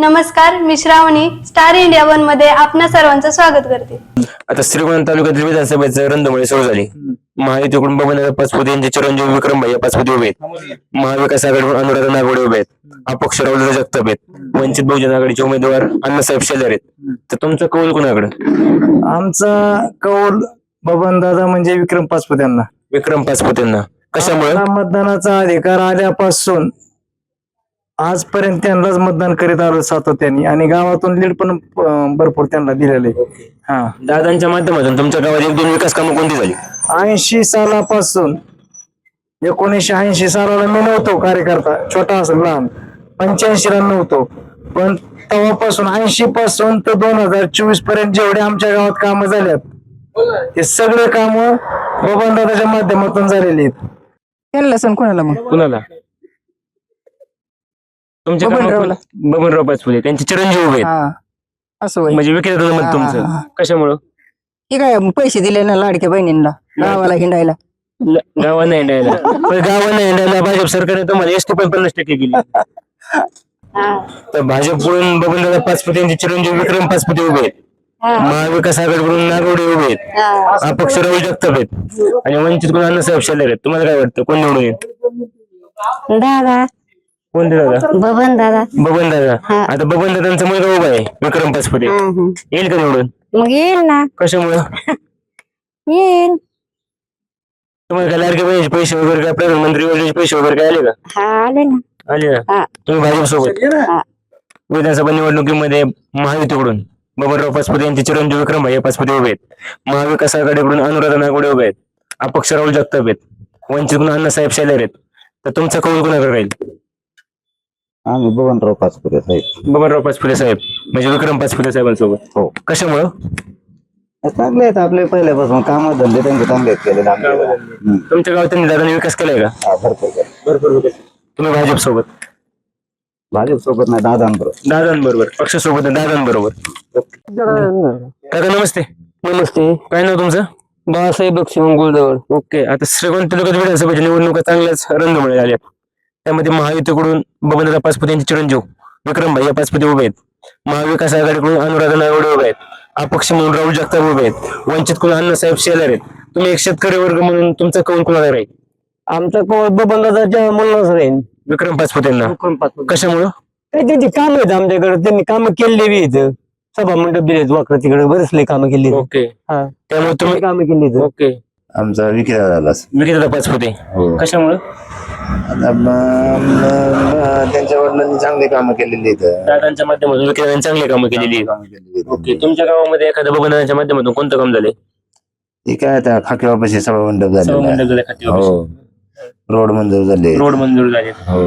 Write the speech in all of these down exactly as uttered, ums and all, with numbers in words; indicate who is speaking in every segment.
Speaker 1: नमस्कार, मी Shravani star India one मध्ये आपणा सर्वांचं स्वागत करते।
Speaker 2: आता श्रीगोंदा तालुक्यातील विधानसभेचं रणधुमाळी सुरू झाली। महायुतीकडून बबनदादा पाचपुते यांचे चिरंजीव विक्रमभाई पाचपुते उभे आहेत। महाविकास आघाडीकडून अनुराधा नागवडे उभे आहेत। अपक्ष राहुल जगताप आहेत। वंचित बहुजन आघाडीचे उमेदवार अण्णासाहेब शेलार आहेत। तर तुमचं कौल कोणाकडे?
Speaker 3: आमचा कौल बबनदादा म्हणजे विक्रम पाचपुते यांना।
Speaker 2: विक्रम पाचपुतेंना कशामुळे?
Speaker 3: मतदानाचा अधिकार आल्यापासून आजपर्यंत त्यांनाच मतदान करीत आलो सातत्याने आणि गावातून लीड पण अं, भरपूर त्यांना दिलेले। हा,
Speaker 2: दादांच्या माध्यमातून तुमच्या गावात एक दोन विकास कामं कोणती झाली?
Speaker 3: ऐंशी सालापासून एकोणीसशे ऐंशी सालाला मी नव्हतो कार्यकर्ता, छोटा असं लहान, पंच्याऐंशी ला नव्हतो, पण तेव्हापासून ऐंशी पासून तर दोन हजार चोवीस पर्यंत जेवढे आमच्या गावात कामं झाल्यात हे सगळे काम बबनदादाच्या माध्यमातून झालेले आहेत।
Speaker 4: केलं सण कोणाला मग?
Speaker 2: कुणाला? तुमच्या
Speaker 4: बबनरावला.
Speaker 2: गावात बबनराव पाचपुते त्यांचे चिरंजीव उभे आहेत।
Speaker 4: हा असं होय.
Speaker 2: म्हणजे विक्रेता मत
Speaker 4: हा,
Speaker 2: तुमचं
Speaker 4: हा, हा.
Speaker 2: कशामुळं?
Speaker 4: हे काय मग पैसे दिले ना लाडक्या बहिणींना गावाला हिंडायला?
Speaker 2: गावांना हिंडायला पण गावांना हिंडायला भाजप सरकारने तुम्हाला एसटी पण पन्नास टक्के केली। तर भाजपकडून बबनदादा पाचपुते यांचे चिरंजीव विक्रम पाचपुते उभे आहेत। महाविकास आघाडीकडून नागवडे उभे आहेत। अपक्ष राहुल जगताप आहेत आणि वंचित कडून अण्णासाहेब शेलार आहेत। तुम्हाला काय वाटतं कोण निवडून येईल?
Speaker 5: दादा
Speaker 2: कोणते दादा?
Speaker 5: बबन दादा
Speaker 2: बबन दादा। आता बबन दादांचा मुलगा उभा आहे विक्रम पाचपुते, येईल का निवडून?
Speaker 5: मग येईल ना,
Speaker 2: कशामुळं?
Speaker 5: येईल।
Speaker 2: तुम्हाला काय लाडके बहिणीचे पैसे वगैरे काय प्रधानमंत्री योजनेचे पैसे वगैरे काय आले का?
Speaker 5: हा आले ना।
Speaker 2: आले ना?
Speaker 5: हा.
Speaker 2: तुम्ही भाजप सोबत
Speaker 5: हा.
Speaker 2: विधानसभा निवडणुकीमध्ये महायुतीकडून बबनराव पाचपुते यांचे चिरंजीव विक्रमभाई पाचपुते उभे आहेत। महाविकास आघाडीकडून अनुराधा नागवडे उभे आहेत। अपक्ष राहुल जगताप आहेत। वंचितकडून अण्णासाहेब शेलार आहेत। तर तुमचा कौल कोणाकडे राहील?
Speaker 6: आम्ही बबनराव पाचपुते साहेब।
Speaker 2: बबनराव पाचपुते साहेब म्हणजे विक्रम पाचपुते साहेबांसोबत।
Speaker 6: हो,
Speaker 2: कशामुळं?
Speaker 6: चांगले आहेत आपले पहिल्यापासून काम धंदे त्यांचे चांगले आहेत केलेले आमच्या गावात. हम्म.
Speaker 2: तुमच्या गावात त्यांनी दादाने विकास केलाय का?
Speaker 6: हा, भरपूर केलं.
Speaker 2: भरपूर विकास। तुम्ही भाजप सोबत?
Speaker 6: भाजप सोबत नाही दादांबरोबर.
Speaker 2: दादांबरोबर पक्षासोबत दादांबरोबर। काका नमस्ते।
Speaker 7: नमस्ते,
Speaker 2: काय नाव तुमचं?
Speaker 7: बाळासाहेब बक्षी गुळजवळ.
Speaker 2: ओके, आता श्रीगोंदा तालुक्यात विधानसभेच्या निवडणुका चांगल्याच रंगमळी झाल्या। त्यामध्ये महायुतीकडून बबनदादा पाचपुते यांचे चिरंजीव विक्रमभाई पाचपुते उभे आहेत। महाविकास आघाडीकडून अनुराधा नागवडे उभे आहेत। अपक्ष म्हणून राहुल जगताप उभे आहेत। वंचित कडून अण्णासाहेब शेलार आहेत। तुम्ही एक शेतकरी वर्ग म्हणून तुमचा कौल कोणाला राहील?
Speaker 7: आमचा कोण बबनदादाच्या मुलाच राहील.
Speaker 2: विक्रम पाचपुतेंना कशामुळं?
Speaker 7: काही त्यांची काम आहेत आमच्याकडे, त्यांनी कामं केलेली बी इथं. सभा मंडप दिलेत वाकडं तिकडे, बरेच लई कामं केली.
Speaker 2: ओके,
Speaker 7: हा,
Speaker 2: त्यामुळे तुम्ही
Speaker 7: कामं केली इथं.
Speaker 2: ओके
Speaker 6: आमचा विक्रेता झाला.
Speaker 2: विक्रेता पाचपुते
Speaker 6: हो.
Speaker 2: कशामुळं?
Speaker 6: आता म- म- त्यांच्या वडिलांनी चांगली कामं केलेली आहेत.
Speaker 2: दादांच्या माध्यमातून विक्रेत्यांनी चांगली कामं केलेली आहेत।
Speaker 6: कामं केलेली आहेत.
Speaker 2: ओके, तुमच्या गावामध्ये एखाद्या बबनदादांच्या माध्यमातून कोणतं काम झालंय?
Speaker 6: हे काय आता खाकीबापाशी सभा मंडप झालेला आहे.
Speaker 2: सभामंडप झाले, खाती ऑफिस.
Speaker 6: हो, रोड मंजूर झाले.
Speaker 2: रोड मंजूर झाले।
Speaker 6: हो,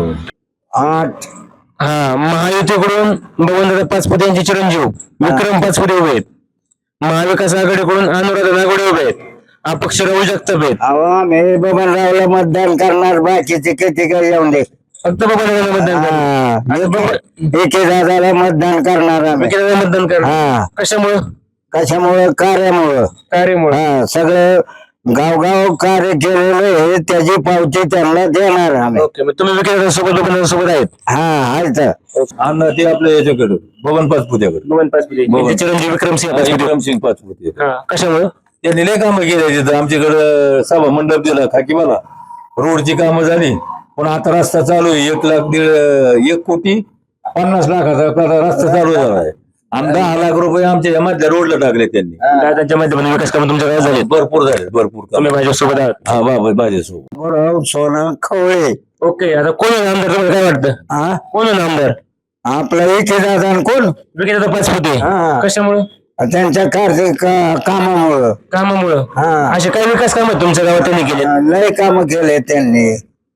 Speaker 3: आठ
Speaker 2: हा, महायुतीकडून बबनदादा पाचपुते यांचे चिरंजीव विक्रम पाचपुते उभे आहेत। महाविकास आघाडीकडून अनुराधा नागवडे उभे आहेत। अपक्ष राहुल जगताप आहेत।
Speaker 3: अहो आम्ही बबनरावला मतदान करणार, बाकीचे किती काही येऊन दे।
Speaker 2: फक्त बबनदादा मतदान करणार।
Speaker 3: एके दादाला मतदान करणार आम्ही।
Speaker 2: विक्रेत्याला मतदान करणार
Speaker 3: हा,
Speaker 2: कशामुळं?
Speaker 3: कशामुळं? कार्यामुळं।
Speaker 2: कार्यामुळे।
Speaker 3: हा, सगळं गावगाव कार्य केलेलं आहे, त्याची पावती त्यांना देणार आम्ही।
Speaker 2: ओके, मग तुम्ही विक्रेत्यांसोबत बबनदादांसोबत आहेत?
Speaker 3: हा, आहेत।
Speaker 8: अण्णा ते आपल्या याच्याकडे बबन पाचपुत्याकडे
Speaker 2: बबन पाचपुते यांचे चिरंजीव विक्रमसिंह पाचपुते।
Speaker 8: विक्रमसिंग पाचपुते
Speaker 2: हा, कशामुळं?
Speaker 8: त्यांनी लय कामं केले तिथं आमच्याकडे सभा मंडप दिला खाकीवाला, रोडची कामं झाली. पण आता रस्ता चालू आहे, एक लाख दीड एक कोटी पन्नास लाखाचा आता रस्ता चालू झाला आहे. आणि दहा लाख रुपये आमच्या या मधल्या रोडला टाकले त्यांनी.
Speaker 2: दादांच्या माध्यमातून विकास कामं तुमच्या गावात झाले?
Speaker 8: भरपूर झाले, भरपूर कामं.
Speaker 2: तुम्ही भाजप सोबत आहात?
Speaker 8: हा, बाबा माझ्यासोबत
Speaker 3: बरोबर, सोनं खवळे।
Speaker 2: ओके, आता कोण आहे आमदार? तुम्हाला काय वाटतं
Speaker 3: हा,
Speaker 2: कोण आहे आमदार?
Speaker 3: आपला एके दादा कोण?
Speaker 2: विक्रेता पाचपुते।
Speaker 3: हा.
Speaker 2: कशामुळं?
Speaker 3: त्यांच्या कार्य का- कामामुळं।
Speaker 2: कामामुळं।
Speaker 3: हा,
Speaker 2: असे काही विकास काम तुमच्या गावात त्यांनी केले?
Speaker 3: लय काम केले त्यांनी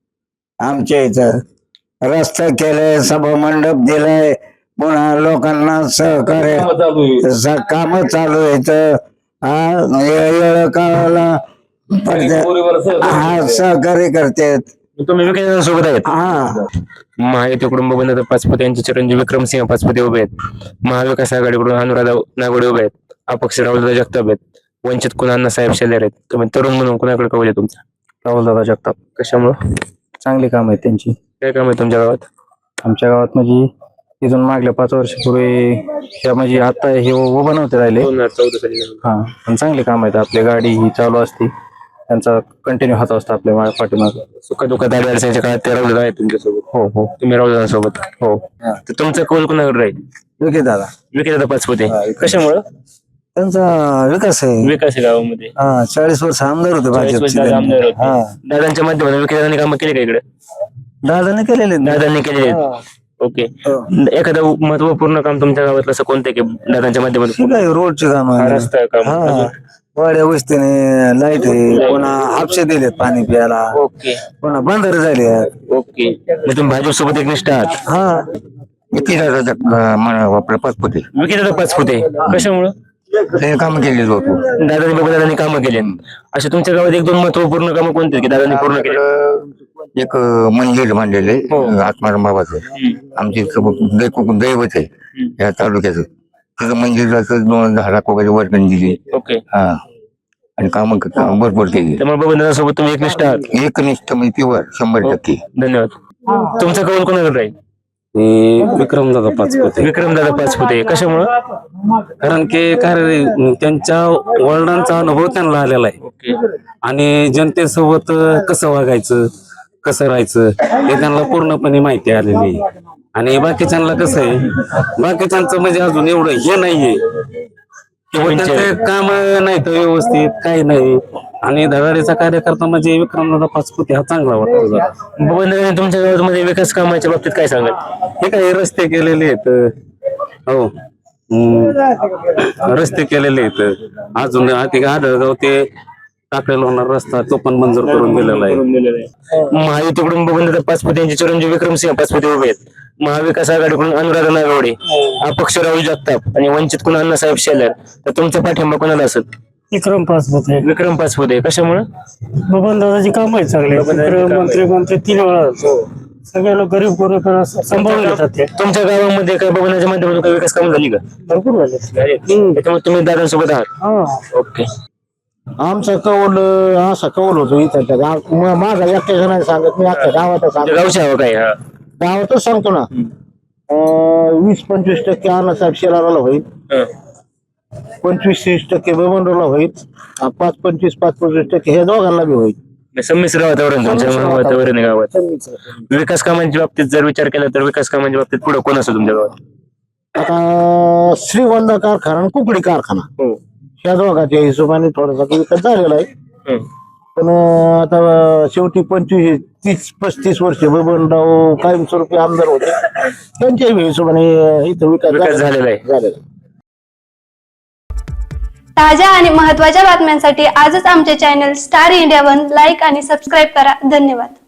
Speaker 3: आमच्या इथं। रस्ता केले, सभा मंडप दिलाय, पुन्हा लोकांना सहकार्य
Speaker 8: कामं चालू आहे.
Speaker 3: काम चालू आहेत। हा, येळ काळाला पडद्या-
Speaker 8: पोरीवर सहकार्य
Speaker 3: हा, सहकार्य करतात।
Speaker 2: तुम्ही विक्रेत्यांसोबत आहेत?
Speaker 3: हा,
Speaker 2: महायुतीकडून बबनदादा पाचपुते यांचे चिरंजीव विक्रमसिंह पाचपुते उभे आहेत। महाविकास आघाडीकडून अनुराधा नागवडे उभे आहेत। अपक्ष राहुल जगताप आहेत। वंचित कुणा अण्णासाहेब शेलार आहेत। तुम्ही तरुण म्हणून कुणाकडे कौल आहे तुमचा?
Speaker 3: राहुलदादा जगताप।
Speaker 2: कशामुळं?
Speaker 3: चांगली काम आहेत त्यांची।
Speaker 2: काय काम आहे तुमच्या गावात?
Speaker 3: आमच्या गावात म्हणजे तिथून मागल्या पाच वर्षापूर्वी त्या म्हणजे आता हे उभं नव्हते राहिले.
Speaker 2: दोन हजार चौदा साली झालं.
Speaker 3: हा पण चांगली काम आहेत. आपली गाडी ही चालू असती, त्यांचा कंटिन्यू हात असतो आपल्या मा- पाठीमागे.
Speaker 2: सुख दुःखात आडी अडचणीच्या काळात ते राहुल आहे तुमच्यासोबत.
Speaker 3: हो हो
Speaker 2: तुम्ही राहुल सोबत.
Speaker 3: हो.
Speaker 2: तर तुमचा कौल कोणाकडे राहील?
Speaker 3: विके दादा
Speaker 2: विकेदादा पाचपुते. कशामुळं?
Speaker 3: त्यांचा विकास आहे.
Speaker 2: विकास आहे गावामध्ये.
Speaker 3: हा चाळीस वर्ष आमदार होते
Speaker 2: चाळीस वर्ष दादा आमदार होते.
Speaker 3: हा
Speaker 2: दादांच्या माध्यमातून विकेदादांनी कामं केली का इकडे?
Speaker 3: दादाने केलेले आहेत.
Speaker 2: दादांनी केलेली आहेत. ओके.
Speaker 3: हो.
Speaker 2: एखादं महत्वपूर्ण काम तुमच्या गावातलं असं कोणतं की दादांच्या माध्यमातून?
Speaker 3: ठीक आहे, रोडचे काम
Speaker 2: हा, रस्ता काम.
Speaker 3: हा
Speaker 2: अजून?
Speaker 3: वाड्या वस्तीने लाईट आहे, पुन्हा हापशे दिलेत पाणी प्यायला,
Speaker 2: ओके
Speaker 3: पुन्हा बंदर झाले आहेत.
Speaker 2: ओके. मग तुम्ही भाजप सोबत एकनिष्ठ आहात?
Speaker 3: हा
Speaker 6: आपलं पाचपुते
Speaker 2: विकेदादा पाचपुते. कशामुळं?
Speaker 6: ते काम केलेलं होतं.
Speaker 2: दादानी बाबा दादानी कामं केली. असे तुमच्या गावात एक दोन महत्वपूर्ण कामं कोणते की दादानी पूर्ण केले?
Speaker 6: एक मंदिर बांधलेलं आहे आत्माराम बाबाचं. आमचे दैवत आहे या तालुक्याचं. तिथं मंदिराचं दोन दहा लाख वगैरे वर्गणी दिली.
Speaker 2: ओके.
Speaker 6: हा आणि काम भरपूर केली.
Speaker 2: त्यामुळे बाबा दादासोबत तुम्ही एकनिष्ठ आहात.
Speaker 6: एकनिष्ठ म्हणजे प्युअर शंभर टक्के.
Speaker 2: धन्यवाद. तुमचा कौल कोणाकडे राहील?
Speaker 9: विक्रम दादा पाचपुते.
Speaker 2: विक्रम दादा पाचपुते. कशामुळं?
Speaker 9: कारण की काय त्यांच्या वडिलांचा अनुभव त्यांना आलेला आहे
Speaker 2: ओके.
Speaker 9: आणि जनतेसोबत कसं वागायचं, कसं राहायचं हे त्यांना पूर्णपणे माहिती आलेली आहे. आणि बाकीच्यांना कसं आहे, बाकीच्यांचं म्हणजे अजून एवढं हे नाहीये किंवा त्यांचं काम नाही तर व्यवस्थित काही नाही. आणि धडाडीचा कार्यकर्ता म्हणजे विक्रमदादा पाचपुते हा चांगला वाटतो जरा.
Speaker 2: बाबा दादानी तुमच्या गावामध्ये विकास कामाच्या बाबतीत काय सांगाल?
Speaker 9: हे काही रस्ते केलेले आहेत. हो हम्म. रस्ते केलेले आहेत. अजून ते आढळगाव ते टाकलेला होणार रस्ता तो पण मंजूर करून दिलेला आहे.
Speaker 2: महायुतीकडून बबन दादा पाचपुते यांचे चिरंजीव विक्रमसिंह पाचपुते उभे आहेत. महाविकास आघाडीकडून अनुराधा नागवडे, अपक्ष राहुल जगताप आणि वंचितकडून अण्णासाहेब शेलार. तर तुमचा पाठिंबा कोणाला असेल?
Speaker 7: विक्रम पाचपुते.
Speaker 2: विक्रम पाचपुते. कशामुळे?
Speaker 7: बबन दादाची काम आहे चांगले. मंत्री मंत्री तीन वेळा सगळ्याला गरीब गरीब सांभाळून घेतात ते.
Speaker 2: तुमच्या गावामध्ये काय बबनाच्या माध्यमातून काही विकास काम झाली का?
Speaker 7: भरपूर झाले.
Speaker 2: त्याच्यामुळे तुम्ही दादांसोबत आहात.
Speaker 7: हा
Speaker 2: ओके.
Speaker 3: आमचा कौल असा कौल होतो इथं त्या गाव म- माझा एकट्या जणांनी सांगत मी अख्ख्या गावातच सांगतो.
Speaker 2: गावची हवा काय? हा.
Speaker 3: गावातच सांगतो ना. अं, वीस पंचवीस टक्के अण्णासाहेब शेलाराला होईल,
Speaker 2: हा.
Speaker 3: पंचवीस तीस टक्के बबनरावला होईल, अं, पाच पंचवीस पाच पंचवीस टक्के हे दोघांना बी होईल.
Speaker 2: संमिश्र वातावरण तुमच्या वातावरण आहे गावात. विकास कामांच्या बाबतीत जर विचार केला तर विकास कामांच्या बाबतीत पुढे कोण असतो तुमच्या गावात?
Speaker 3: आता श्रीगोंदा कारखाना आणि कुकडी कारखाना
Speaker 2: हो.
Speaker 3: ह्या दोघांच्या हिशोबाने थोडासा विकास झालेला आहे.
Speaker 2: हं.
Speaker 3: पण अं, आता शेवटी पंचवीस तीस पस्तीस वर्ष बबनराव कायमस्वरूपी आमदार होते, त्यांच्या हिशोबाने इथं विकास
Speaker 2: विकास झालेला आहे.
Speaker 3: झालेला आहे.
Speaker 1: ताज्या आणि महत्त्वाच्या बातम्यांसाठी आजच आमचे channel star India one like आणि सबस्क्राईब करा. धन्यवाद.